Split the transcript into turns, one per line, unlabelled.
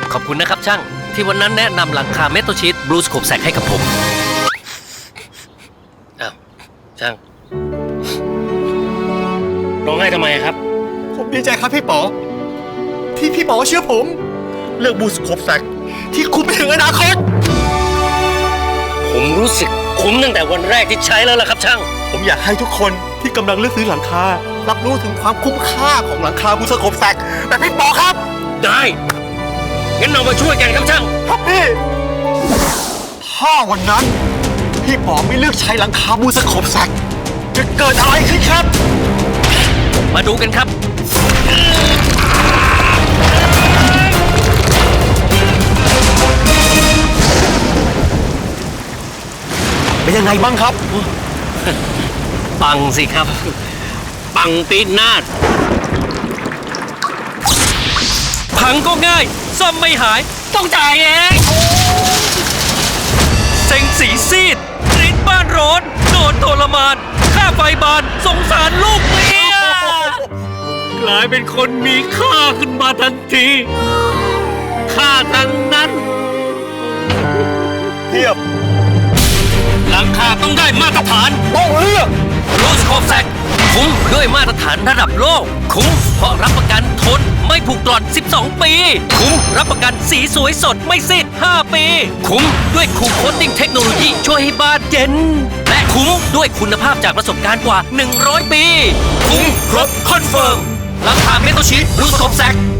ขอบคุณนะครับช่างที่วันนั้นแนะนำหลังคาเมทัลชีทบลูสโคปแซกให้กับผมอ้าวช่างร้องไห้ทำไมครับ
ผมดีใจครับพี่ป๋อที่พี่ป๋อเชื่อผมเลือกบูสโคปแซกที่คุณไปถึงอนาคต
ผมรู้สึกคุ้มตั้งแต่วันแรกที่ใช้แล้วล่ะครับช่าง
ผมอยากให้ทุกคนที่กำลังเลือกซื้อหลังคารับรู้ถึงความคุ้มค่าของหลังคาบูสโคปแซกแต่พี่ป๋อครับ
ได้งั้นเรามาช่วยกันครับช่าง
ครับพี่ถ้าวันนั้นพี่ป๋อไม่เลือกใช้หลังคาบูสโคปแซกจะเกิดอะไรขึ้นครับ
มาดูกันครับ
เป็นยังไงบ้างครับ
ปังสิครับปังปีนาศพังก็ง่ายซ่อมไม่หายต้องจ่ายเองเซ็งสีซีดกรีดบ้านร้อนโดนทรมานค่าไฟบานสงสารลูกเมียกลายเป็นคนมีค่าขึ้นมาทันทีค่าทั้งนั้น
เทียบ
หลังคาต้องได้มาตรฐาน
ต้องเลือก
รูสโคปแซกคุ้มด้วยมาตรฐานระดับโลกคุ้มเพราะรับประกันทนไม่ผุกร่อน12 ปีคุ้มรับประกันสีสวยสดไม่ซีด5 ปีคุ้มด้วยคูลโคตติ้งเทคโนโลยีช่วยให้บ้านเย็นและคุ้มด้วยคุณภาพจากประสบการณ์กว่า100 ปีคุ้มครบคอนเฟิร์มหลังคาเมทัลชีทรูสโคปแซก